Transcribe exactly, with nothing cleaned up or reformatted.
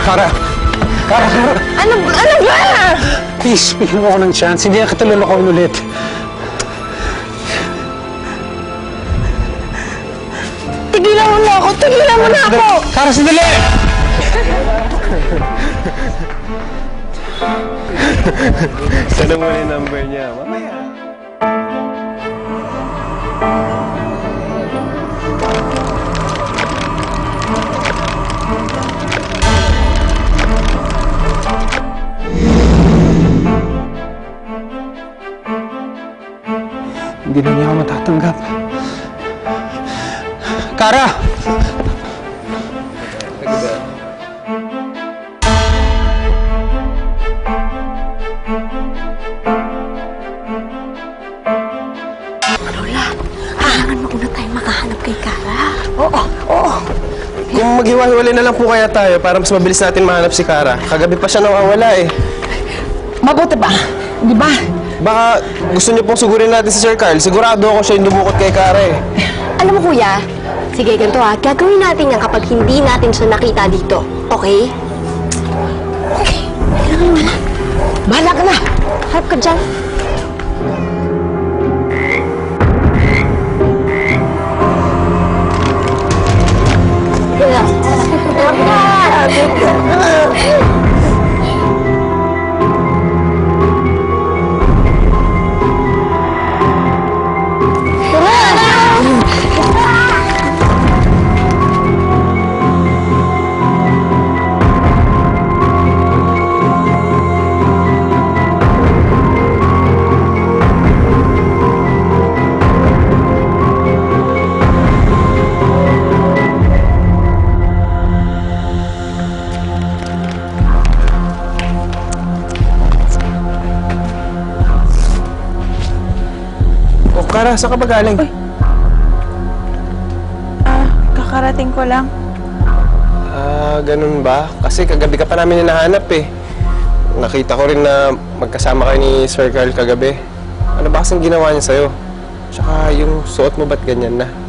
Kara! Kara, Kara! Ano, ano ba? Please, bigyan mo ako ng chance. Hindi na kita lulukoyin ulit. Tigilan mo na ako! Tigilan mo na ako! Kara, sandali! Sana mo yung number niya. Mamaya. Hindi na niya ako matatanggap. Kara! Lola, kailangan mauna tayo makahanap kay Kara. Oo, oo. Kung maghiwa-hiwalay na lang po kaya tayo para mas mabilis natin mahanap si Kara. Kagabi pa siya nawawala eh. Mabuti ba? Di ba? Baka gusto niyo pong sugurin natin si Sir Carl. Sigurado ako siya yung dumukot kay Kara eh. Alam mo, kuya, sige, ganito ha, gagawin natin yan kapag hindi natin siya nakita dito, okay? Okay. Kailangan mo na. Bahala ka na. Harap ka dyan. O Kara, saan ka ba galing? Ah, kakarating ko lang. Ah, ganun ba? Kasi kagabi ka pa namin hinahanap eh. Nakita ko rin na magkasama kayo ni Sir Carl kagabi. Ano ba kasing ginawa niya sa'yo? Tsaka yung suot mo ba't ganyan na?